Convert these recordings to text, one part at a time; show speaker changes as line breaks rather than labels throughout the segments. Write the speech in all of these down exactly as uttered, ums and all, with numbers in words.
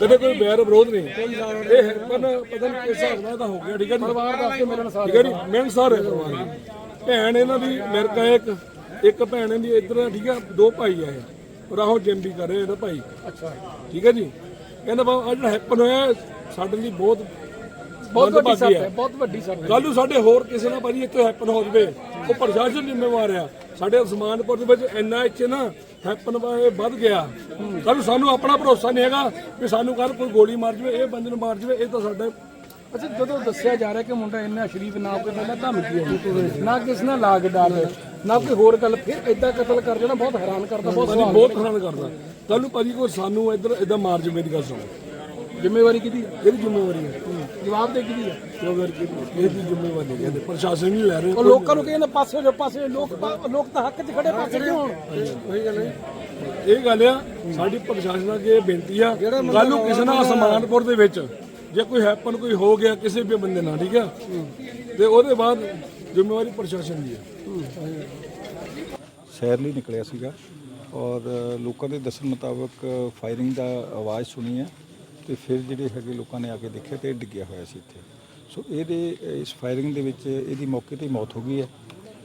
कदे कोई बैर विरोध नहीं। ये हैपन पता नहीं किस हिसाब नाल हो गया। ठीक है जी, ठीक है जी, मिलनसार है परिवार की। भैन इन्हां दी अमेरिका है, एक एक भैन इहदी इधर। ठीक है, दो भाई है और आहो जिम भी कर रहे हैं भाई। अच्छा, ठीक है जी। कहना बा आ जिहड़ा हैपन होया साडे ਲਈ बहुत बहुत ਵੱਡੀ ਸੱਟ ਹੈ, ਬਹੁਤ ਵੱਡੀ ਸੱਟ ਹੈ। ਕੱਲ ਨੂੰ ਸਾਡੇ ਹੋਰ ਕਿਸੇ ਨਾਲ ਭਾਜੀ ਇੱਥੇ ਹੈਪਨ ਹੋ ਜਵੇ, ਉਹ ਪ੍ਰਸ਼ਾਸਨ ਜ਼ਿੰਮੇਵਾਰ ਆ। ਸਾਡੇ ਉਸਮਾਨਪੁਰ ਦੇ ਵਿੱਚ ਇੰਨਾ ਇੱਥੇ ਨਾ ਹੈਪਨ ਵੱਧ ਗਿਆ। ਕੱਲ ਨੂੰ ਸਾਨੂੰ ਆਪਣਾ ਭਰੋਸਾ ਨਹੀਂ ਹੈਗਾ ਕਿ ਸਾਨੂੰ ਕੱਲ ਕੋਈ ਗੋਲੀ ਮਾਰ ਜਵੇ, ਇਹ ਬੰਦੇ ਨੂੰ ਮਾਰ ਜਵੇ। ਇਹ ਤਾਂ ਸਾਡੇ
ਅੱਛਾ, ਜਦੋਂ ਦੱਸਿਆ ਜਾ ਰਿਹਾ ਕਿ ਮੁੰਡਾ ਇੰਨਾ ਸ਼ਰੀਫ ਨਾ ਕੋਈ ਪਹਿਲਾਂ ਧਮਕੀ ਹੋਣੀ, ਨਾ ਕਿਸੇ ਨਾਲ ਲਾਗ ਡਾਲ, ਨਾ ਕੋਈ ਹੋਰ ਗੱਲ, ਫਿਰ ਇਦਾਂ ਕਤਲ ਕਰ ਦੇਣਾ ਬਹੁਤ ਹੈਰਾਨ ਕਰਦਾ, ਬਹੁਤ
ਬਹੁਤ ਹੈਰਾਨ ਕਰਦਾ। ਕੱਲ ਨੂੰ ਭਾਜੀ ਕੋਈ ਸਾਨੂੰ ਇੱਧਰ ਇਦਾਂ ਮਾਰ ਜਵੇ ਦੀ ਗੱਲ ਸੁਣੋ,
ਜ਼ਿੰਮੇਵਾਰੀ ਕਿਹਦੀ ਹੈ?
ਇਹਦੀ ਜ਼ਿੰਮੇਵਾਰੀ ਹੈ,
ਜਵਾਬ ਦੇ ਕਿਹਦੀ ਹੈ?
ਇਹਦੀ ਜ਼ਿੰਮੇਵਾਰੀ ਨਹੀਂ ਕਹਿੰਦੇ, ਪ੍ਰਸ਼ਾਸਨ ਨਹੀਂ ਲੈ ਰਹੇ।
ਉਹ ਲੋਕਾਂ ਨੂੰ ਕਹਿੰਦੇ ਪਾਸੇ ਜੋ ਪਾਸੇ ਲੋਕ ਲੋਕ ਤਾਂ ਹੱਕ 'ਚ ਖੜੇ, ਪਾਸੇ ਕਿਉਂ ਹੋਣ?
ਉਹੀ ਗੱਲ ਹੈ, ਇਹ ਗੱਲ ਆ ਸਾਡੀ ਪ੍ਰਸ਼ਾਸਨ ਅੱਗੇ ਬੇਨਤੀ ਆ। ਕੱਲ ਨੂੰ ਕਿਸੇ ਨਾਲ ਉਸਮਾਨਪੁਰ ਦੇ ਵਿੱਚ ਜੇ ਕੋਈ ਹੈਪਨ ਕੋਈ ਹੋ ਗਿਆ ਕਿਸੇ ਵੀ ਬੰਦੇ ਨਾਲ, ਠੀਕ ਆ, ਤੇ ਉਹਦੇ ਬਾਅਦ ਜ਼ਿੰਮੇਵਾਰੀ ਪ੍ਰਸ਼ਾਸਨ ਦੀ ਹੈ।
ਸੈਰ ਲਈ ਨਿਕਲਿਆ ਸੀਗਾ ਔਰ ਲੋਕਾਂ ਦੇ ਦੱਸਣ ਮੁਤਾਬਕ ਫਾਇਰਿੰਗ ਦਾ ਆਵਾਜ਼ ਸੁਣੀ ਹੈ ਤੇ ਫਿਰ ਜਿਹੜੇ ਹੈਗੇ ਲੋਕਾਂ ਨੇ ਆ ਕੇ ਦੇਖਿਆ ਤੇ ਇਹ ਡਿੱਗਿਆ ਹੋਇਆ ਸੀ ਇੱਥੇ। ਸੋ ਇਹਦੇ ਇਸ ਫਾਇਰਿੰਗ ਦੇ ਵਿੱਚ ਇਹਦੀ ਮੌਕੇ ਤੇ ਮੌਤ ਹੋ ਗਈ ਹੈ।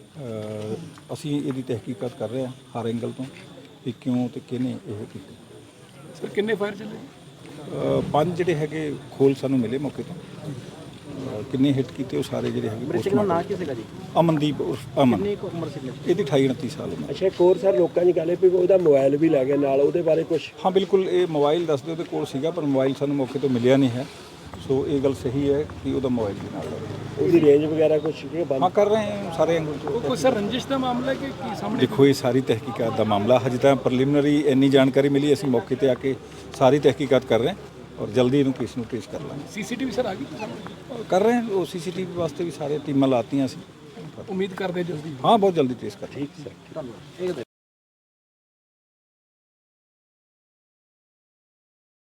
ਅਸੀਂ ਇਹਦੀ ਤਹਿਕੀਕਾਤ ਕਰ ਰਹੇ ਹਾਂ ਹਰ ਐਂਗਲ ਤੋਂ ਕਿ ਕਿਉਂ ਤੇ ਕਿਹਨੇ ਇਹ ਕੀਤੀ।
ਸਰ ਕਿੰਨੇ ਫਾਇਰ ਚੱਲੇ?
ਪੰਜ ਜਿਹੜੇ ਹੈਗੇ ਖੋਲ ਸਾਨੂੰ ਮਿਲੇ ਮੌਕੇ ਤੋਂ। ਕਿੰਨੇ ਹਿੱਟ ਕੀਤੇ ਉਹ ਸਾਰੇ ਜਿਹੜੇ ਹੈਗੇ।
ਮ੍ਰਿਤਕ ਦਾ ਨਾਂ ਕੀ ਸੀਗਾ ਜੀ?
ਅਮਨਦੀਪ ਉਰਫ ਅਮਨ।
ਕਿੰਨੀ ਕੁ ਉਮਰ ਸੀ?
ਇਹਦੀ ਅਠਾਈ ਉਨੱਤੀ ਸਾਲ ਉਮਰ।
ਅੱਛਾ, ਇੱਕ ਹੋਰ ਸਰ ਲੋਕਾਂ ਦੀ ਗੱਲ ਹੈ ਵੀ ਉਹਦਾ ਮੋਬਾਈਲ ਵੀ ਲੈ ਗਿਆ ਨਾਲ, ਉਹਦੇ ਬਾਰੇ ਕੁਝ?
ਹਾਂ ਬਿਲਕੁਲ, ਇਹ ਮੋਬਾਈਲ ਦੱਸਦੇ ਉਹਦੇ ਕੋਲ ਸੀਗਾ ਪਰ ਮੋਬਾਈਲ ਸਾਨੂੰ ਮੌਕੇ ਤੋਂ ਮਿਲਿਆ ਨਹੀਂ ਹੈ। ਸੋ ਇਹ ਗੱਲ ਸਹੀ ਹੈ ਕਿ ਉਹਦਾ ਮੋਬਾਈਲ ਵੀ ਨਾਲ ਹੈ।
ਉਹਦੀ ਰੇਂਜ ਵਗੈਰਾ ਕੁਝ ਬੰਦ?
ਹਾਂ ਕਰ ਰਹੇ ਹਾਂ ਸਾਰੇ ਐਂਗਲ ਤੋਂ।
ਕੋਈ ਸਰ ਰੰਜਿਸ਼ ਦਾ ਮਾਮਲਾ ਹੈ ਕਿ ਕੀ ਸਾਹਮਣੇ?
ਦੇਖੋ ਇਹ ਸਾਰੀ ਤਹਿਕੀਕਾਤ ਦਾ ਮਾਮਲਾ, ਹਜੇ ਤਾਂ ਪ੍ਰੀਲਿਮਿਨਰੀ ਇੰਨੀ ਜਾਣਕਾਰੀ ਮਿਲੀ, ਅਸੀਂ ਮੌਕੇ ਤੇ ਆ ਕੇ ਸਾਰੀ ਤਹਿਕੀਕਾਤ ਕਰ ਰਹੇ ਹਾਂ ਔਰ ਜਲਦੀ ਇਹਨੂੰ ਕੇਸ ਨੂੰ ਟ੍ਰੇਸ ਕਰ ਲਾਂਗੇ।
ਸੀਸੀਟੀਵੀ ਸਰ ਆ ਗਈ
ਕਰ ਰਹੇ ਹਾਂ, ਉਹ ਸੀਸੀਟੀਵੀ ਵਾਸਤੇ ਵੀ ਸਾਰੇ ਟੀਮਾਂ ਲਾਤੀਆਂ ਸੀ।
ਉਮੀਦ ਕਰਦੇ ਜਲਦੀ?
ਹਾਂ ਬਹੁਤ ਜਲਦੀ ਟ੍ਰੇਸ ਕਰ।
ਠੀਕ ਸਰ।